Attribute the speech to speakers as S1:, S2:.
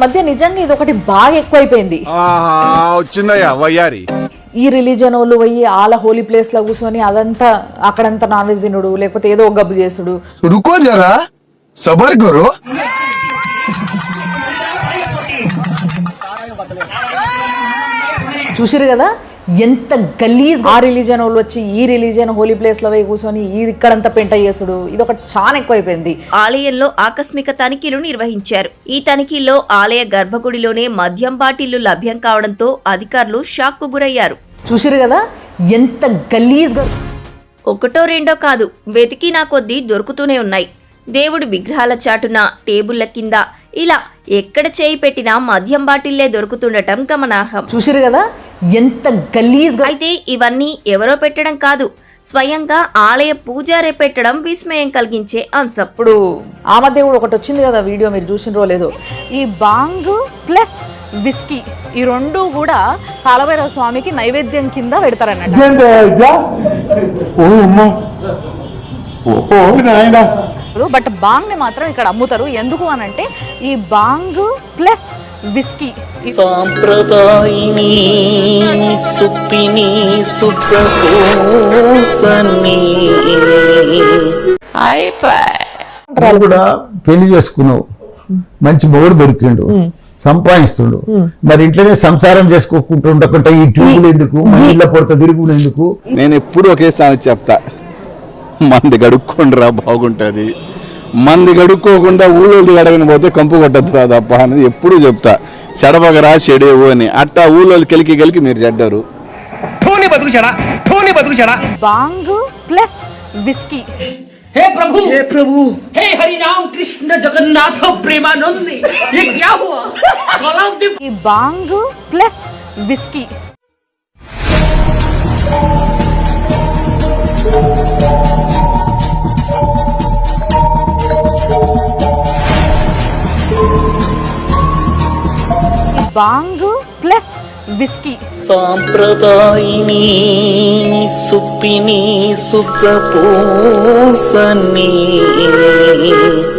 S1: మధ్య నిజంగా ఇది ఒకటి బాగా ఎక్కువైపోయింది.
S2: వచ్చిందయ్యా వయ్యారి.
S1: ఈ రిలీజన్ వాళ్ళు పోయి వాళ్ళ హోలీ ప్లేస్ లో కూర్చొని అదంతా అక్కడంతా నాన్ వెజ్ తినుడు, లేకపోతే ఏదో ఒక గబ్బు చేసుడు.
S3: రుకో జరా సబర్ కరో.
S1: చూసిరు కదా ఎంత గలీజ్. ఆ రిలీజన్ వాళ్ళు వచ్చి ఈ రిలీజన్ హోలీ ప్లేస్ లో పోయి కూర్చొని ఇక్కడంతా పెంట చేసుడు, ఇది ఒకటి చాలా ఎక్కువైపోయింది.
S4: ఆలయంలో ఆకస్మిక తనిఖీలు నిర్వహించారు. ఈ తనిఖీల్లో ఆలయ గర్భగుడిలోనే మద్యం బాటిళ్లు లభ్యం కావడంతో అధికారులు షాక్ కు గురయ్యారు.
S1: చూసిరు కదా ఎంత గలీజ్.
S4: ఒకటో రెండో కాదు, వెతికినా కొద్దీ దొరుకుతూనే ఉన్నాయి. దేవుడి విగ్రహాల చాటున, టేబుళ్ల కింద, ఇలా ఎక్కడ చేయి పెట్టినా మద్యం బాటిల్లే దొరుకుతుండటం గమనార్హం.
S1: చూసిరు కదా ఎంత గలీజ్.
S4: అయితే ఇవన్నీ ఎవరో పెట్టడం కాదు, స్వయంగా ఆలయ పూజారే పెట్టడం విస్మయం కలిగించే అంశం.
S1: ఇప్పుడు ఆ మధ్య కూడా ఒకటి వచ్చింది కదా వీడియో, మీరు చూసినరో లేదో, ఈ బాంగ్ ప్లస్ విస్కీ ఈ రెండు కూడా కాలభైరవ స్వామికి నైవేద్యం కింద పెడతారన్నట్టు. బట్ బాంగ్ ని మాత్రం ఇక్కడ అమ్ముతారు. ఎందుకు అనంటే ఈ బాంగ్ ప్లస్ విస్కీ
S5: సాంప్రదాయిని సుప్పిని సుప్రపోసని
S6: కూడా పెళ్లి చేసుకున్నావు, మంచి మొగుడు దొరికిండు, సంపాదిస్తుండు, మరి ఇంట్లోనే సంసారం చేసుకోకుండా ఉండకుండా ఈ ట్యూబులు ఎందుకు, ఇళ్ళ పొడత తిరుగుడు ఎందుకు?
S2: నేను ఎప్పుడు ఒకే సామెత చెప్తా, మంది గడుక్కుండ్రా బాగుంటుంది, మంది గడుక్కోకుండా ఊళ్ళోది గడగని పోతే కంపు కొట్టద్దురా తప్ప అనేది ఎప్పుడు చెప్తా. చెడబగరా చెడేవు అని, అట్టా ఊళ్ళోకి కలికి మీరు చెడ్డారు.
S1: Bhang plus whisky.
S7: हे प्रभु हे हरि राम कृष्ण जगन्नाथ प्रेमानंद, ये क्या हुआ?
S1: ఈ bhang plus whisky bhang plus whisky.
S5: సాంప్రదాయిని సుప్పిని సుప్రపోసని